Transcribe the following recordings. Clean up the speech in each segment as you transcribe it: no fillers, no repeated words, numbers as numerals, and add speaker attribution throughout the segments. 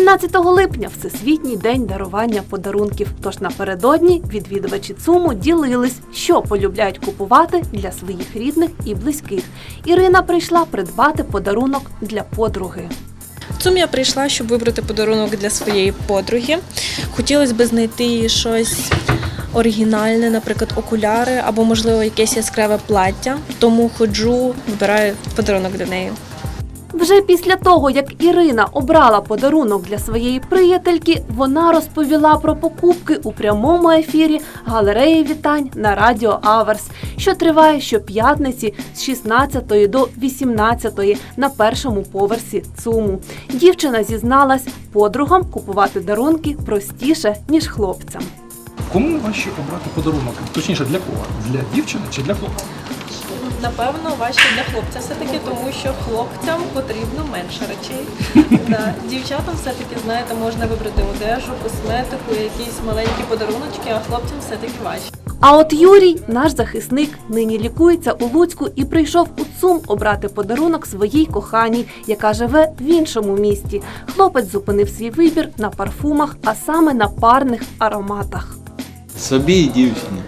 Speaker 1: 17 липня – Всесвітній день дарування подарунків. Тож напередодні відвідувачі ЦУМу ділились, що полюбляють купувати для своїх рідних і близьких. Ірина прийшла придбати подарунок для подруги.
Speaker 2: В ЦУМ я прийшла, щоб вибрати подарунок для своєї подруги. Хотілося б знайти щось оригінальне, наприклад, окуляри або, можливо, якесь яскраве плаття. Тому ходжу, вибираю подарунок для неї.
Speaker 1: Вже після того, як Ірина обрала подарунок для своєї приятельки, вона розповіла про покупки у прямому ефірі галереї вітань на радіо Аверс, що триває щоп'ятниці з 16 до 18 на першому поверсі ЦУМу. Дівчина зізналась, подругам купувати дарунки простіше, ніж хлопцям.
Speaker 3: Кому важче обрати подарунок? Точніше, для кого? Для дівчини чи для хлопця?
Speaker 2: Напевно, важче для хлопця все-таки, тому що хлопцям потрібно менше речей. Дівчатам все-таки, знаєте, можна вибрати одежу, косметику, якісь маленькі подаруночки, а хлопцям все-таки важче.
Speaker 1: А от Юрій, наш захисник, нині лікується у Луцьку і прийшов у ЦУМ обрати подарунок своїй коханій, яка живе в іншому місті. Хлопець зупинив свій вибір на парфумах, а саме на парних ароматах.
Speaker 4: Собі і дівчині,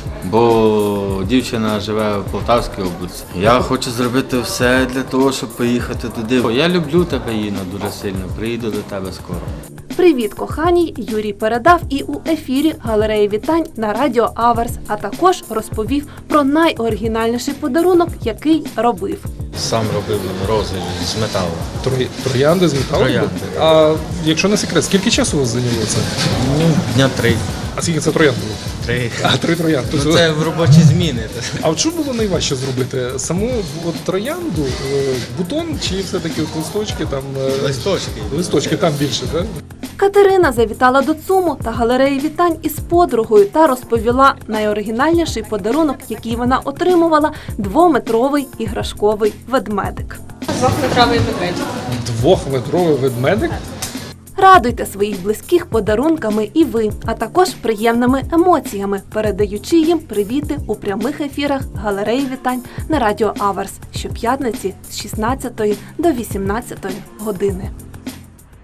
Speaker 4: бо дівчина живе в Полтавській області. Я хочу зробити все для того, щоб поїхати туди. Я люблю тебе, Інна, дуже сильно, приїду до тебе скоро.
Speaker 1: Привіт, коханій, Юрій передав і у ефірі галереї вітань на радіо Аверс, а також розповів про найоригінальніший подарунок, який робив.
Speaker 4: Сам робив рози з металу.
Speaker 3: Троянди з металу?
Speaker 4: Троянди.
Speaker 3: А якщо не секрет, скільки часу у вас зайняло це?
Speaker 4: Дня 3.
Speaker 3: А скільки це троянд було?
Speaker 4: 3.
Speaker 3: А, 3 троянди.
Speaker 4: Ну, це в робочі зміни.
Speaker 3: А от що було найважче зробити? Саму от троянду, бутон чи все-таки от листочки там?
Speaker 4: Листочки.
Speaker 3: Листочки там більше, так?
Speaker 1: Катерина завітала до ЦУМу та галереї вітань із подругою та розповіла найоригінальніший подарунок, який вона отримувала – 2-метровий іграшковий ведмедик.
Speaker 2: 2-метровий ведмедик.
Speaker 3: 2-метровий ведмедик?
Speaker 1: Радуйте своїх близьких подарунками і ви, а також приємними емоціями, передаючи їм привіти у прямих ефірах галереї вітань на радіо Аверс щоп'ятниці з 16 до 18 години.